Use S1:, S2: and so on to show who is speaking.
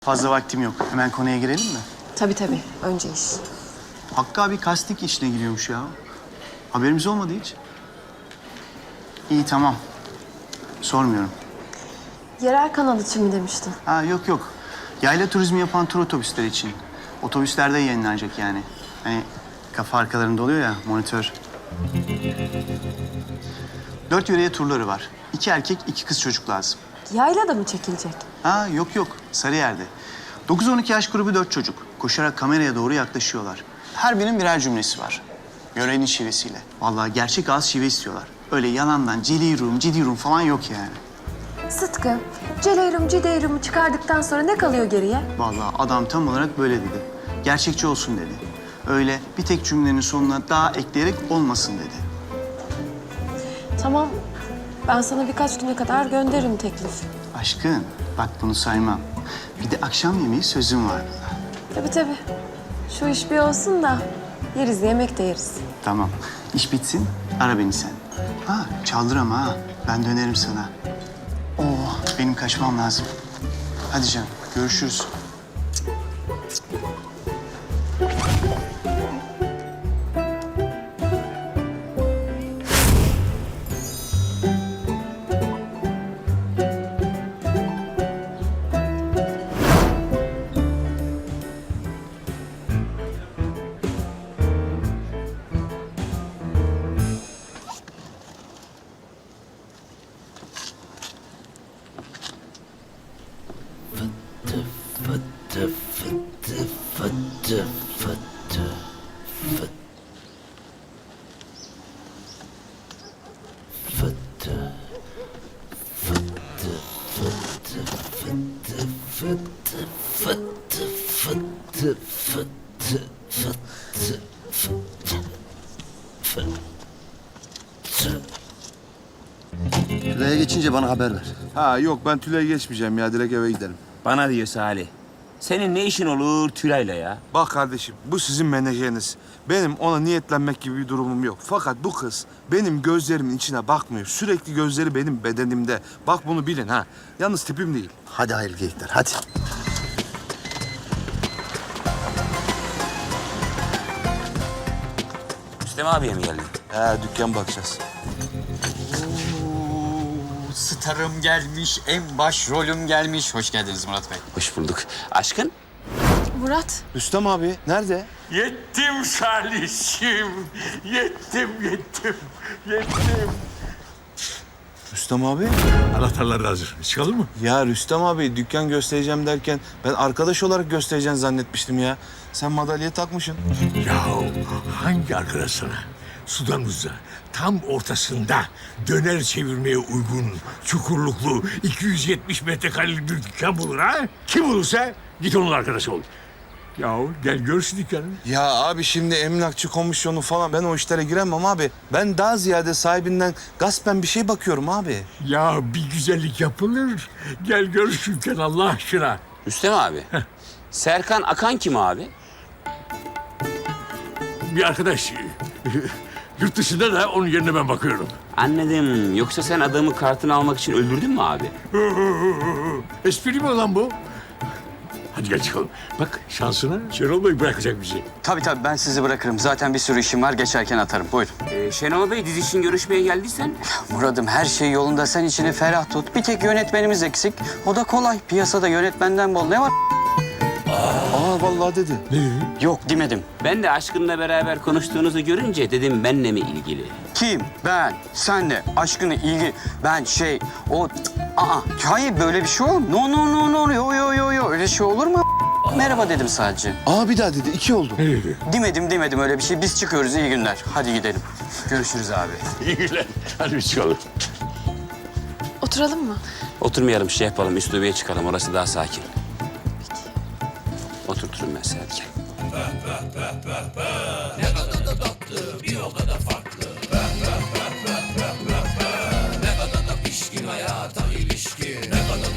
S1: Fazla vaktim yok. Hemen konuya girelim mi?
S2: Tabii tabii. Önce iş.
S1: Hakkı abi kastik işine giriyormuş ya. Haberimiz olmadı hiç. İyi tamam. Sormuyorum.
S2: Yerel kanal için mi demiştin?
S1: Ha yok. Yayla turizmi yapan tur otobüsleri için. Otobüslerde yayınlanacak yani. Hani kafa arkalarında oluyor ya monitör. 4 yöreye turları var. 2 erkek, 2 kız çocuk lazım.
S2: Yayla da mı çekilecek?
S1: Ha yok. Sarıyer'de. 9-12 yaş grubu 4 çocuk. Koşarak kameraya doğru yaklaşıyorlar. Her birinin birer cümlesi var. Yörenin şivesiyle. Vallahi gerçek ağız şive istiyorlar. Öyle yalandan cidirum falan yok yani.
S2: Sıtkı, Celeyrum Cideyrum'u çıkardıktan sonra ne kalıyor geriye?
S1: Vallahi adam tam olarak böyle dedi. Gerçekçi olsun dedi. Öyle bir tek cümlenin sonuna daha ekleyerek olmasın dedi.
S2: Tamam. Ben sana birkaç güne kadar gönderirim teklif.
S1: Aşkın, bak bunu saymam. Bir de akşam yemeği sözüm var burada.
S2: Tabii. Şu iş bir olsun da yeriz, yemek de yeriz.
S1: Tamam. İş bitsin, ara beni sen. Ha, çaldır ama ha. Ben dönerim sana. Benim kaçmam lazım. Hadi canım, görüşürüz.
S3: Tülay'a geçince bana haber ver.
S4: Ha yok ben Tülay'a geçmeyeceğim ya direkt eve giderim.
S5: Bana diyor Salih. Senin ne işin olur Tülay'la ya?
S4: Bak kardeşim bu sizin menajeriniz. Benim ona niyetlenmek gibi bir durumum yok. Fakat bu kız benim gözlerimin içine bakmıyor. Sürekli gözleri benim bedenimde. Bak bunu bilin ha. Yalnız tipim değil.
S3: Hadi hayırlı geyikler, hadi.
S5: Rüstem abiye mi geldin?
S4: He dükkan bakacağız.
S6: Starım gelmiş, en baş rolüm gelmiş. Hoş geldiniz Murat Bey.
S5: Hoş bulduk. Aşkın?
S2: Murat,
S4: Rüstem abi nerede?
S7: Yettim Salih'im. Yettim.
S4: Rüstem abi?
S7: Anahtarlar da hazır. Çıkalım mı?
S4: Ya Rüstem abi dükkan göstereceğim derken ben arkadaş olarak göstereceğini zannetmiştim ya. Sen madalyayı takmışsın.
S7: Ya hangi arkadaş sana? Sudanımızda tam ortasında döner çevirmeye uygun çukurluklu 270 metrekarelik bir dükkan bulur ha? Kim bulursa git onun arkadaşı ol. Ya gel gör şu dükkanı.
S4: Ya abi şimdi emlakçı komisyonu falan ben o işlere giremem abi. Ben daha ziyade sahibinden gaspen bir şey bakıyorum abi.
S7: Ya bir güzellik yapılır. Gel gör şu dükkanı Allah aşkına.
S5: Rüstem abi. Serkan Akan kim abi?
S7: Bir arkadaş yurt dışında da onun yerine ben bakıyorum.
S5: Anladım. Yoksa sen adamı kartını almak için öldürdün mü abi?
S7: Espri mi lan bu? Hadi gel çıkalım. Bak şansına Şenol Bey bırakacak bizi.
S6: Tabii ben sizi bırakırım. Zaten bir sürü işim var. Geçerken atarım. Buyurun.
S5: Şenol Bey dizi için görüşmeye geldiysen...
S6: Murat'ım her şey yolunda. Sen içini ferah tut. Bir tek yönetmenimiz eksik. O da kolay. Piyasada yönetmenden bol. Ne var?
S4: Aa vallahi dedi.
S6: Yok demedim.
S5: Ben de Aşkın'la beraber konuştuğunuzu görünce dedim benle mi ilgili?
S6: Kim? Ben. Senle. Aşkını, ilgi. Ben o... Hayır böyle bir şey olur mu? No. Yo. Öyle şey olur mu? Merhaba dedim sadece.
S4: Aa bir daha dedi. 2 oldu.
S6: Demedim öyle bir şey. Biz çıkıyoruz. İyi günler. Hadi gidelim. Görüşürüz abi.
S7: İyi günler. Hadi biz çıkalım.
S2: oturalım mı?
S5: Oturmayalım şey yapalım, üstüne çıkalım. Orası daha sakin. Oturturum ben seni hadi gel.